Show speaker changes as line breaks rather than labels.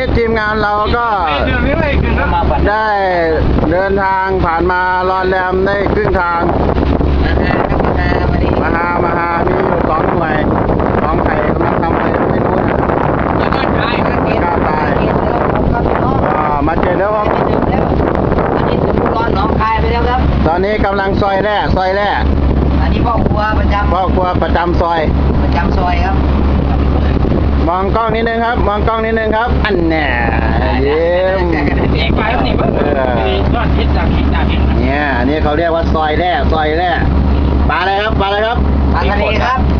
ทีมงานเราก็ได้เดินทางผ่านมารอนแรมได้ครึ่งทางมาหามีอยู่2 หน่วยของใครกำลังทำอะไรไม่รู้นะกล้าตายมาเจอแล้วครับตอนนี้กำลังซอยแร่
อันนี้พ่อครัวประจำ
พ่อครัวประจำซอย
ซอยครับ
มองกล้องนิดนึงครับ มองกล้องนิดนึงครับ อันแน่ยิ้มเนี่ยอันนี้เขาเรียกว่าซอยแร่ปลาอะไรครับ
ปลาทะเลครับ